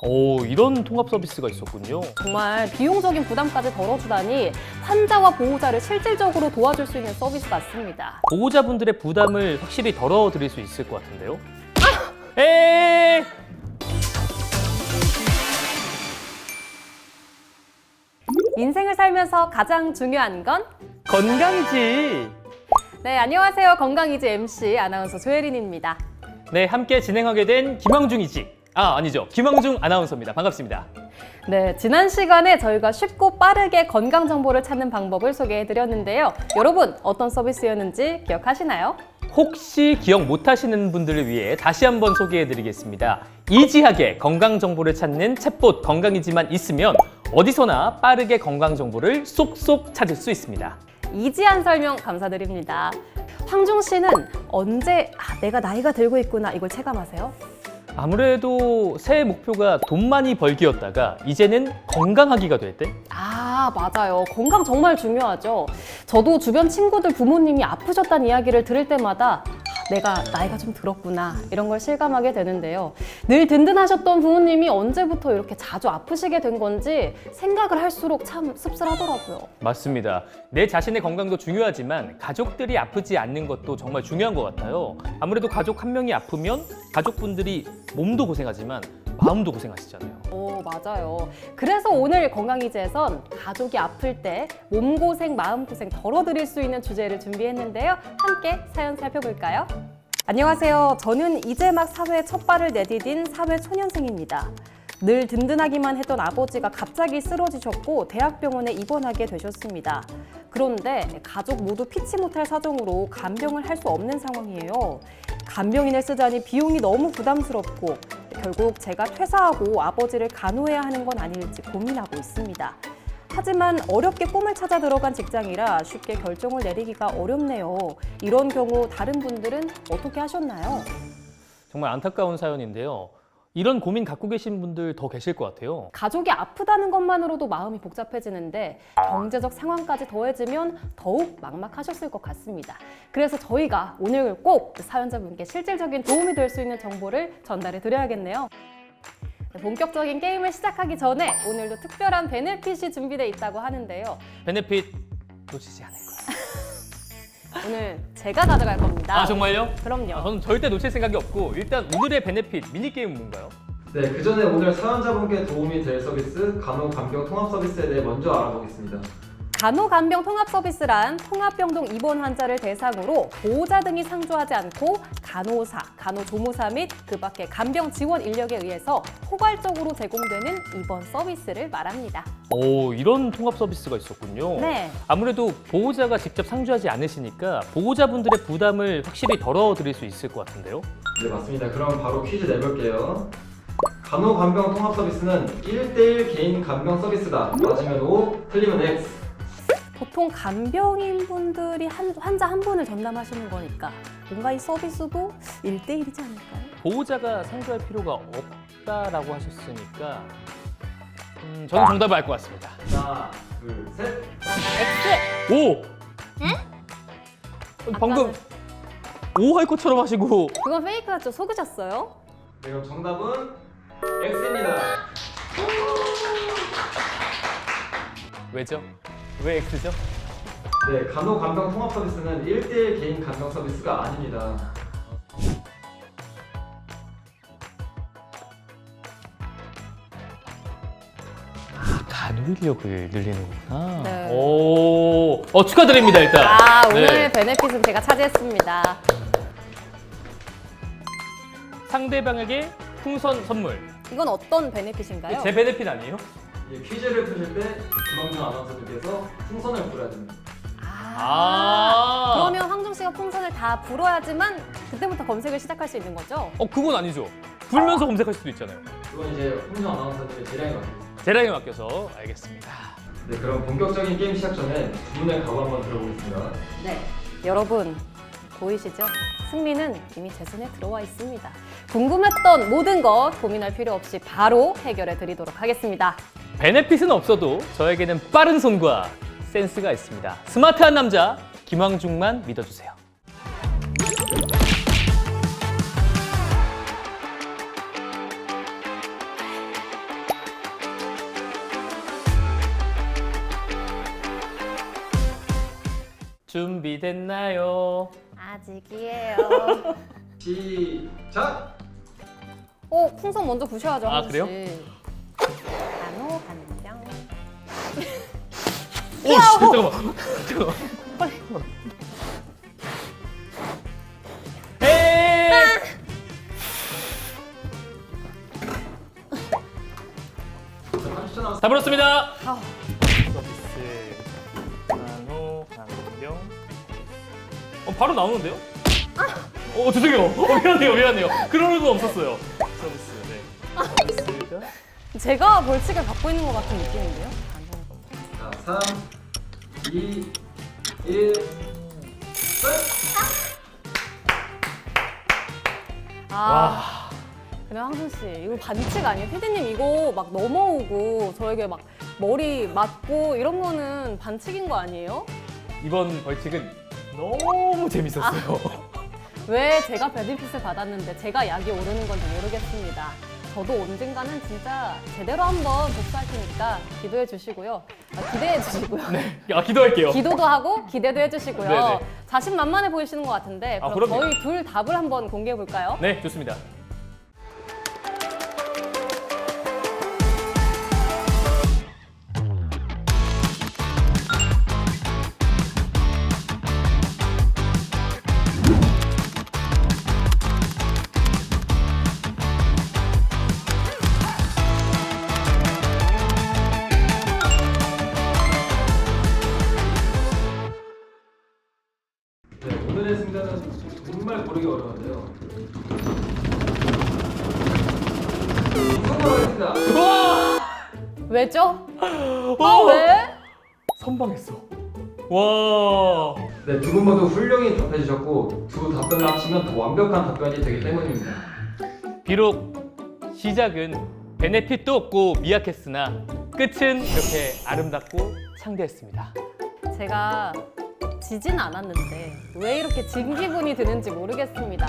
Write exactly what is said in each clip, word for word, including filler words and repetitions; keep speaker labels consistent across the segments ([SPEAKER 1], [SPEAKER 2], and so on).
[SPEAKER 1] 오, 이런 통합 서비스가 있었군요.
[SPEAKER 2] 정말 비용적인 부담까지 덜어주다니 환자와 보호자를 실질적으로 도와줄 수 있는 서비스 같습니다.
[SPEAKER 1] 보호자분들의 부담을 확실히 덜어드릴 수 있을 것 같은데요. 아! 에이!
[SPEAKER 2] 인생을 살면서 가장 중요한 건?
[SPEAKER 1] 건강이지.
[SPEAKER 2] 네, 안녕하세요. 건강이지 엠씨 아나운서 조혜린입니다.
[SPEAKER 1] 네, 함께 진행하게 된 김황중이지. 아, 아니죠. 김황중 아나운서입니다. 반갑습니다.
[SPEAKER 2] 네, 지난 시간에 저희가 쉽고 빠르게 건강 정보를 찾는 방법을 소개해드렸는데요. 여러분, 어떤 서비스였는지 기억하시나요?
[SPEAKER 1] 혹시 기억 못하시는 분들을 위해 다시 한번 소개해드리겠습니다. 이지하게 건강 정보를 찾는 챗봇 건강이지만 있으면 어디서나 빠르게 건강 정보를 쏙쏙 찾을 수 있습니다.
[SPEAKER 2] 이지한 설명 감사드립니다. 황중 씨는 언제 아, 내가 나이가 들고 있구나 이걸 체감하세요?
[SPEAKER 1] 아무래도 새해 목표가 돈 많이 벌기였다가 이제는 건강하기가 될 때?
[SPEAKER 2] 아, 맞아요. 건강 정말 중요하죠. 저도 주변 친구들 부모님이 아프셨다는 이야기를 들을 때마다 아, 내가 나이가 좀 들었구나 이런 걸 실감하게 되는데요. 늘 든든하셨던 부모님이 언제부터 이렇게 자주 아프시게 된 건지 생각을 할수록 참 씁쓸하더라고요.
[SPEAKER 1] 맞습니다. 내 자신의 건강도 중요하지만 가족들이 아프지 않는 것도 정말 중요한 것 같아요. 아무래도 가족 한 명이 아프면 가족분들이 몸도 고생하지만 마음도 고생하시잖아요.
[SPEAKER 2] 오, 맞아요. 그래서 오늘 건강이지에선 가족이 아플 때 몸고생, 마음고생 덜어드릴 수 있는 주제를 준비했는데요. 함께 사연 살펴볼까요? 안녕하세요. 저는 이제 막 사회에 첫 발을 내디딘 사회 초년생입니다. 늘 든든하기만 했던 아버지가 갑자기 쓰러지셨고 대학병원에 입원하게 되셨습니다. 그런데 가족 모두 피치 못할 사정으로 간병을 할 수 없는 상황이에요. 간병인을 쓰자니 비용이 너무 부담스럽고 결국 제가 퇴사하고 아버지를 간호해야 하는 건 아닐지 고민하고 있습니다. 하지만 어렵게 꿈을 찾아 들어간 직장이라 쉽게 결정을 내리기가 어렵네요. 이런 경우 다른 분들은 어떻게 하셨나요?
[SPEAKER 1] 정말 안타까운 사연인데요. 이런 고민 갖고 계신 분들 더 계실 것 같아요.
[SPEAKER 2] 가족이 아프다는 것만으로도 마음이 복잡해지는데 경제적 상황까지 더해지면 더욱 막막하셨을 것 같습니다. 그래서 저희가 오늘 꼭 사연자분께 실질적인 도움이 될 수 있는 정보를 전달해 드려야겠네요. 본격적인 게임을 시작하기 전에 오늘도 특별한 베네핏이 준비되어 있다고 하는데요.
[SPEAKER 1] 베네핏 놓치지 않을 거예요.
[SPEAKER 2] 오늘 제가 가져갈 겁니다.
[SPEAKER 1] 아, 정말요?
[SPEAKER 2] 그럼요.
[SPEAKER 1] 아, 저는 절대 놓칠 생각이 없고 일단 오늘의 베네핏 미니게임은 뭔가요?
[SPEAKER 3] 네, 그 전에 오늘 사연자분께 도움이 될 서비스 간호 간병 통합 서비스에 대해 먼저 알아보겠습니다.
[SPEAKER 2] 간호간병 통합 서비스란 통합병동 입원 환자를 대상으로 보호자 등이 상주하지 않고 간호사, 간호조무사 및 그 밖의 간병 지원 인력에 의해서 포괄적으로 제공되는 입원 서비스를 말합니다.
[SPEAKER 1] 오, 이런 통합 서비스가 있었군요.
[SPEAKER 2] 네.
[SPEAKER 1] 아무래도 보호자가 직접 상주하지 않으시니까 보호자분들의 부담을 확실히 덜어드릴 수 있을 것 같은데요?
[SPEAKER 3] 네, 맞습니다. 그럼 바로 퀴즈 내볼게요. 간호 간병 통합 서비스는 일 대일 개인 간병 서비스다. 맞으면 O, 틀리면 X.
[SPEAKER 2] 보통 간병인 분들이 한, 환자 한 분을 전담하시는 거니까 뭔가 이 서비스도 일 대일이지 않을까요?
[SPEAKER 1] 보호자가 상주할 필요가 없다라고 하셨으니까 음, 저는 정답을 알 것 같습니다.
[SPEAKER 3] 하나, 둘, 셋.
[SPEAKER 2] X!
[SPEAKER 1] 오! 응? 방금 오 할 것처럼 하시고
[SPEAKER 2] 그건 페이크였죠? 속으셨어요?
[SPEAKER 3] 네, 그럼 정답은 X입니다.
[SPEAKER 1] 왜죠? 왜 X죠?
[SPEAKER 3] 네, 간호 간병 통합 서비스는 일 대일 개인 간병 서비스가 아닙니다.
[SPEAKER 1] 간호 인력을 늘리는 거구나.
[SPEAKER 2] 네.
[SPEAKER 1] 오, 어, 축하드립니다 일단.
[SPEAKER 2] 아, 오늘
[SPEAKER 1] 네.
[SPEAKER 2] 베네핏은 제가 차지했습니다.
[SPEAKER 1] 상대방에게 풍선 선물.
[SPEAKER 2] 이건 어떤 베네핏인가요?
[SPEAKER 1] 제 베네핏 아니에요?
[SPEAKER 3] 이 퀴즈를 푸실 때 김학준 아나운서님께서 풍선을 불어야 됩니다.
[SPEAKER 2] 아,
[SPEAKER 1] 아.
[SPEAKER 2] 그러면 황종 씨가 풍선을 다 불어야지만 그때부터 검색을 시작할 수 있는 거죠?
[SPEAKER 1] 어, 그건 아니죠. 불면서 검색할 수도 있잖아요.
[SPEAKER 3] 그건 이제 홍준 아나운서님의 재량에 맡깁니다.
[SPEAKER 1] 재량에 맡겨서 알겠습니다.
[SPEAKER 3] 네, 그럼 본격적인 게임 시작 전에 두 분의 각오 한번 들어보겠습니다.
[SPEAKER 2] 네. 여러분, 보이시죠? 승리는 이미 제 손에 들어와 있습니다. 궁금했던 모든 것 고민할 필요 없이 바로 해결해 드리도록 하겠습니다.
[SPEAKER 1] 베네핏은 없어도 저에게는 빠른 손과 센스가 있습니다. 스마트한 남자 김황중만 믿어주세요. 준비됐나요?
[SPEAKER 2] 아직이에요.
[SPEAKER 3] 시작!
[SPEAKER 2] 오, 풍선 먼저 부셔야죠.
[SPEAKER 1] 아,
[SPEAKER 2] 한수 씨.
[SPEAKER 1] 그래요?
[SPEAKER 2] 간호 간병.
[SPEAKER 1] 오, 씨, 잠깐만. 잠깐만. 에이!
[SPEAKER 3] 삼십 초 남았습니다.
[SPEAKER 1] 다 불었습니다.
[SPEAKER 2] 아,
[SPEAKER 1] 서비스 간호 간병. 어 바로 나오는데요? 어 죄송해요. 어, 미안해요, 미안해요. 그럴 일은 없었어요. 서비스 네. 서비스가
[SPEAKER 2] 제가 벌칙을 받고 있는 것 같은 느낌인데요.
[SPEAKER 3] 자, 삼, 이, 일, 끝!
[SPEAKER 2] 아,
[SPEAKER 1] 와.
[SPEAKER 2] 근데 황순 씨, 이거 반칙 아니에요? 피디님 이거 막 넘어오고 저에게 막 머리 맞고 이런 거는 반칙인 거 아니에요?
[SPEAKER 1] 이번 벌칙은 너무 재밌었어요.
[SPEAKER 2] 왜 제가 베네핏을 받았는데 제가 약이 오르는 건지 모르겠습니다. 저도 언젠가는 진짜 제대로 한번 복수할 테니까 기도해 주시고요. 아, 기대해 주시고요.
[SPEAKER 1] 네, 아 기도할게요.
[SPEAKER 2] 기도도 하고 기대도 해주시고요.
[SPEAKER 1] 네네.
[SPEAKER 2] 자신만만해 보이시는 것 같은데
[SPEAKER 1] 아,
[SPEAKER 2] 그럼
[SPEAKER 1] 그럼요.
[SPEAKER 2] 저희 둘 답을 한번 공개해 볼까요?
[SPEAKER 1] 네, 좋습니다.
[SPEAKER 3] 네, 오늘의 승자는 정말 고르기 어려운데요. 성공하겠습니다.
[SPEAKER 1] 와!
[SPEAKER 2] 왜죠?
[SPEAKER 1] 와!
[SPEAKER 2] 아, 왜?
[SPEAKER 1] 선방했어. 와!
[SPEAKER 3] 네, 두 분 모두 훌륭히 답해주셨고 두 답변을 합치면 더 완벽한 답변이 되기 때문입니다.
[SPEAKER 1] 비록 시작은 베네핏도 없고 미약했으나 끝은 이렇게 아름답고 창대했습니다.
[SPEAKER 2] 제가 지진 않았는데 왜 이렇게 진 기분이 드는지 모르겠습니다.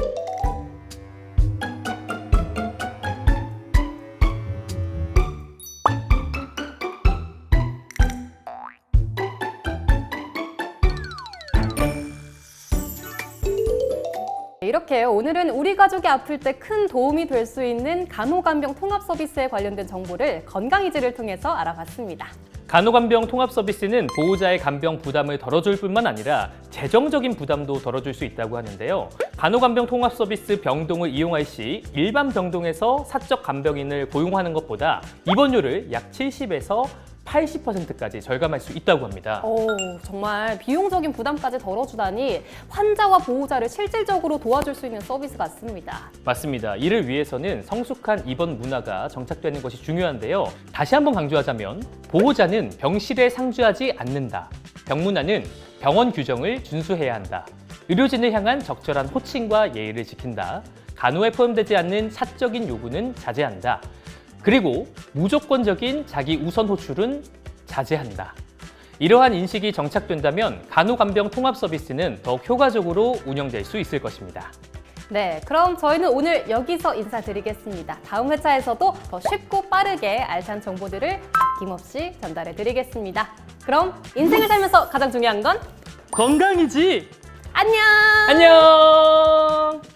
[SPEAKER 2] 이렇게 오늘은 우리 가족이 아플 때 큰 도움이 될 수 있는 간호간병 통합 서비스에 관련된 정보를 건강이지를 통해서 알아봤습니다.
[SPEAKER 1] 간호간병 통합 서비스는 보호자의 간병 부담을 덜어줄 뿐만 아니라 재정적인 부담도 덜어줄 수 있다고 하는데요. 간호간병 통합 서비스 병동을 이용할 시 일반 병동에서 사적 간병인을 고용하는 것보다 입원료를 약 칠십에서 팔십 퍼센트까지 절감할 수 있다고 합니다.
[SPEAKER 2] 오, 정말 비용적인 부담까지 덜어주다니 환자와 보호자를 실질적으로 도와줄 수 있는 서비스 같습니다.
[SPEAKER 1] 맞습니다. 이를 위해서는 성숙한 입원 문화가 정착되는 것이 중요한데요. 다시 한번 강조하자면 보호자는 병실에 상주하지 않는다. 병문안은 병원 규정을 준수해야 한다. 의료진을 향한 적절한 호칭과 예의를 지킨다. 간호에 포함되지 않는 사적인 요구는 자제한다. 그리고 무조건적인 자기 우선 호출은 자제한다. 이러한 인식이 정착된다면 간호간병 통합 서비스는 더욱 효과적으로 운영될 수 있을 것입니다.
[SPEAKER 2] 네, 그럼 저희는 오늘 여기서 인사드리겠습니다. 다음 회차에서도 더 쉽고 빠르게 알찬 정보들을 아낌없이 전달해 드리겠습니다. 그럼 인생을 살면서 가장 중요한 건
[SPEAKER 1] 건강이지!
[SPEAKER 2] 안녕!
[SPEAKER 1] 안녕!